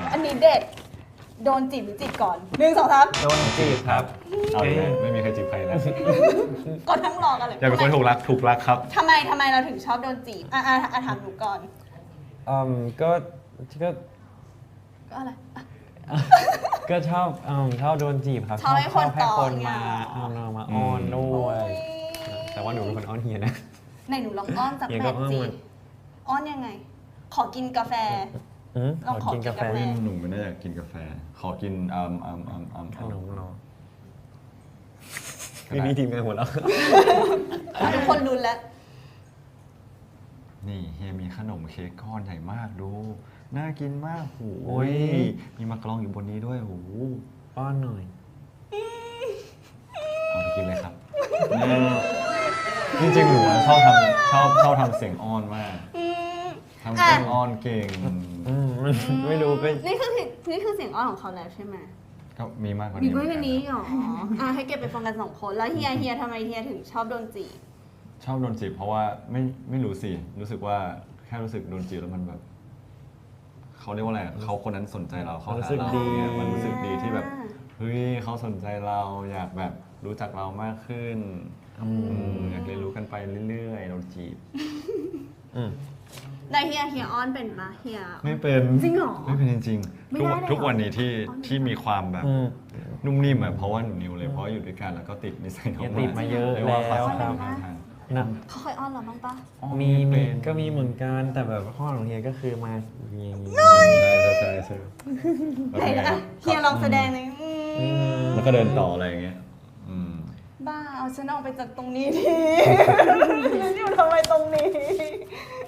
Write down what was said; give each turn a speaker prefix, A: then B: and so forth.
A: อันนี้เด็ดโดนจีบหรือจีบก่อน1 2 3
B: โดนจีบครับ
C: เอาเลยไม่มีใครจีบใครแล้ว
A: ก็ทั้งรอกันเลย
C: อยากเป็นคนถูกรักครับ
A: ทำไมเราถึงชอบโดนจีบถามหนูก่อน
B: ก็
A: ก็อะไร
B: ก็ชอบโดนจีบครับ
A: ชอบให้คน
B: ให้คน
A: ต่อ
B: มา
A: เนี่ย
B: มาอ้อนด้วย แต่ว่าหนูเป็นคนอ้อนเฮียนะ
A: ไหนหนูลองอ้อนสัก
B: เฮีย
A: แบ
B: ก็
A: บ
B: อ้อน
A: จี
B: มัน
A: อ้อนยังไง ขอกินกาแฟ ลองขอกินกาแฟ
C: หนูไม่ได้อยากกินกาแฟ ขอกิน
B: ขนมเนาะมีทีมงานหัวเราะ
A: ทุกคนรุนแล้ว
C: นี่เฮียมีขนมเค้กก้อนใหญ่มากดู น่ากินมากโอ้ยมีมะกรองอยู่บนนี้ด้วยโอ้
B: ป้อนหน่อย
C: เอาไปกินเลยครับ จริงๆหนูชอบทำเสียงอ้อนมากทำเสียงอ้อนเก่ง
B: ไม่รู้เป็น
A: นี่คือเสียงอ้อนของเขาแล้วใช่ไหม
C: ก็มีมากกว่า
A: มี
C: นี้
A: เพื่อนคนนี้เหรอให้เก็บไปฟังกัน2 คนแล้วเฮียทำไมเฮียถึงชอบโดนจีบ
C: ชอบโดนจีบเพราะว่าไม่รู้สิรู้สึกว่าแค่รู้สึกโดนจีบแล้วมันแบบเขาเรียกว่าอะไรเขาคนนั้นสนใจเราเขาหาเราเนี่ยมันรู้สึกดีที่แบบเฮ้ยเขาสนใจเราอยากแบบรู้จักเรามากขึ้นอยากเรียนรู้กันไปเรื่อยๆโดนจีบ
A: ได้เฮียอ้อนเป็นปะเฮีย
C: ไม่เป็น
A: จริงเหรอ
C: ไม่เป็นจริง
A: ไม่
C: ๆ
A: ได้เลยเหรอ
C: ทุกวันนี้ที่มีความแบบนุ่มนิ่มอ่ะเพราะว่าหนูนิวเลยเพราะอยู่ด้วยกันแล้วก็ติดนิสัยน้อง
B: ติดมาเยอะ
C: รีกว่า
B: แล้ว
C: ภาษา
B: ครับ
C: ทาง
B: นะ
A: เขาเคยอ้อนเราบ้างปะ
B: มีก็มีเหมือนกันแต่แบบข้อของเฮียก็คือมาอย่างนี้
C: ใช่
A: ไหนนะเฮียลองแสดงหน่อย
C: แล้วก็เดินต่ออะไรอย่างเงี้ย
A: บ้าเอาฉันออกไปจากตรงนี้ที อยู่ทำไมตรงนี้